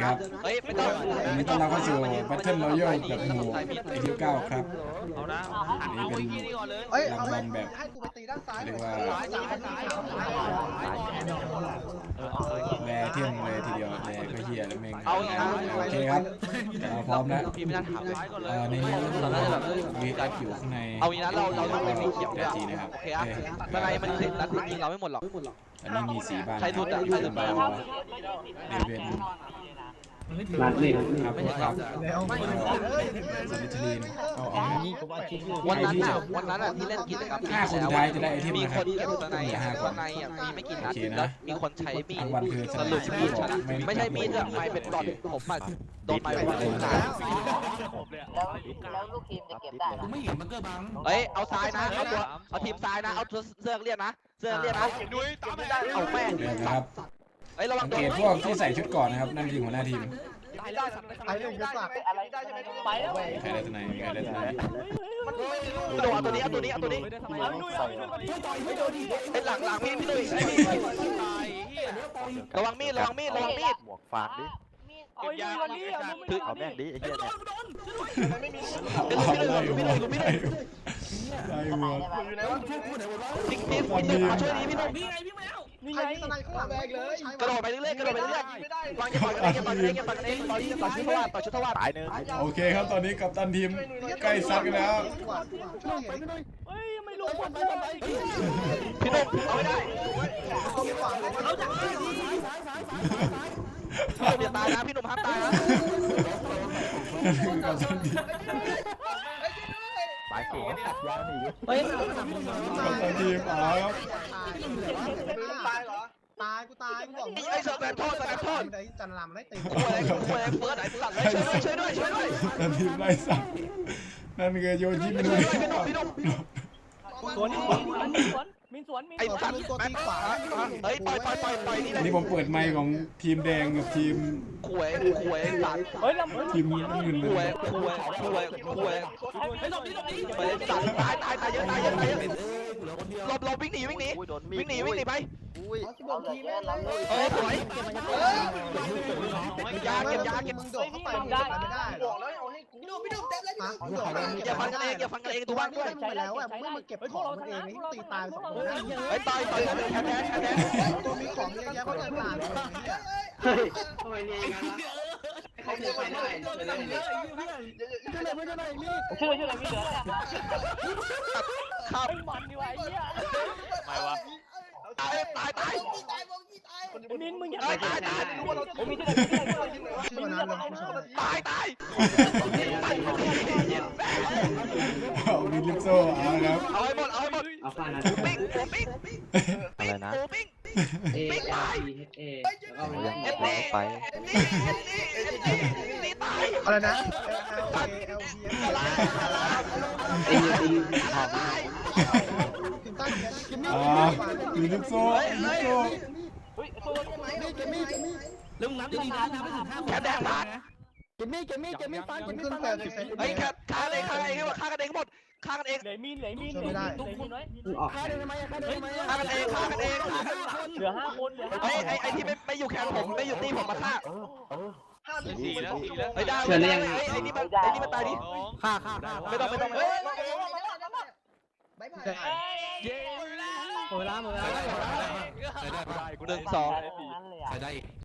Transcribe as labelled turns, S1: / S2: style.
S1: ครับวันนี้ต้อนรับเข้าสู่ Battle Royale กับหมู่AT9 ครับอันนี้เป็นรางวัลแบบเรียกว่าแร่เที่ยงเลยทีเดียวแร่ก็เฮียแล้วเมงโอเคครับเราพร้อมแล้วในนี้เราได้แบบวีอัพอยู่ข้างใน
S2: เอางี้นะเราไม่มีเขียว
S1: แร่จีนะครับโอเค
S2: ข้างในมันเสร็จแล้วยิงเราไม่หมดหรอก
S1: อันนี้มีสีบ้าน
S2: ใครสุดอะใครสุด
S1: บาเดเวน
S3: นัดนี่
S1: ครับครับสลิทลีนเอา
S2: วันนั้นอ่ะที่เล่นกิจกรรม
S1: 5 คนสุดท้ายจะได้ไอเทม
S2: มี
S1: นะค
S2: ค
S1: รั
S2: น
S1: บ
S2: เก็บข้างในข้างในมีไม่กี่นัดแล้วมีคนใช้มีดสรุปมีดชนะไม่ใช่มีดอะไม่เป็นดอทผมอะโดนไม้วันเลย
S4: แล้วลูกทีมจะเก็บได้ไม่เห็นมันก็บัง
S2: เฮ้ยเอาซ้ายนะเอาทีมซ้ายนะเอาเสื้อเรียกนะเสื้อเรียกนะเอาแม่
S1: ครับสังเกตพวกที่ใส่ชุดก่อนนะครับนั่นคือหัวหน้าทีม
S4: ไปเลยจะสักอะไรได้ใช่ไหมไปแล้ว
S1: ใครได้ตัวไหนใครได้ตัวไหน
S2: โดนตัวนี้เป็นหลังพี่ดุยระวังมีด
S3: หมวกฝากดิเอาแม่งดิไอ้เหี้ย
S1: เนี่ย
S2: พี่ดุยมาช่วยดีพี่ดุย
S4: นี่ไงข้างหลังแบกเลย
S2: กระโดดไปเรื่อยๆวางจะต่อยต่อชุดทวาร
S3: ตายหนึ่ง
S1: โอเคครับตอนนี้กัปตันทีมใกล้ซัดกันแล้ว
S4: ไม่รู้คนไป
S2: พี่ดุยเอาไม่ได้พี่ตายนะพี่หนุ่มห้ามตายนะ
S1: กัปตันทีม
S3: ตายเก่งขัดยาวนี่
S1: กัปตันทีมเอาครับ
S4: ตายเหรอตายกูตายกูบอก
S2: ไอ้เสือแบนโทษ
S4: จันลามได้ตี
S2: คุยเฟิร์สไหนสัตว์เลยช่วยด้วย
S1: กัปตันทีมไล่สัตว์นั่นคือโยชิมินุ
S2: พี่หนุ่ม
S4: สวนมีสวน
S2: ไอ้สัตว์ตัวตีขวาเฮ้ยปล่อย
S1: นี่ผมเปิดไมค์ของทีมแดงกับทีม
S2: คุยสัตว์
S1: ทีมน้ำเงิน
S2: คุยไปสัตว์ตายเยอะหลบวิ่งหนีไปสวยยาเก็บ
S4: มึงโดดเข้าไปไม่ได้บอกแล้วเอาให้กูพี่ดุเต็มเลย
S2: อย่าฟังกันเองตัวบ้านด้วย
S4: ไปแล้วอ่ะมึงมาเก็บของมันเองที่ตีตาย2 คน
S2: ไอ้ต่อยแทน
S4: ตัวมีของเยอะแยะเพราะเดินตายเลยเนี่ย
S3: ทำไมเนี่ยเขาเดินไปได้
S4: ช่วยมีเหลือ
S2: ครับ
S4: มันดีวะไอ้เหี้ย
S2: ไม่วะตาย
S4: มินมึงอย่า
S2: ตาย
S4: โอ้มีที่ไหนชื่อนั้นเลย
S2: ตาย
S1: มีลิปโซ่เอาครับ
S2: เอาให้หมด
S3: เอาข้านะ
S2: ปิ้ง
S3: อะไรนะ
S2: ปิ้งตาย
S3: ไป
S2: นี่ตาย
S4: อะไรนะ
S1: มีลิปโซ่
S4: ลุงน้ำจะดีนะน้ำไม่ถึง5
S2: แค่แดงพัด
S4: เกมมี่ฟัน
S2: เฮ้ยฆ่ากันเองหมดฆ่ากันเอง
S4: เหลยมีไม่ได้ฆ่ากันเองเหลือ5 คน
S2: ไอ้ที่ไม่อยู่แคนผมไม่อยู่ตีผมมาฆ่า4 แล้วไอ้ดาวไอ้นี่มันตายดิฆ่าไม่ต้อง
S4: หมดเวลา
S2: 1 2ใช้ได้อีก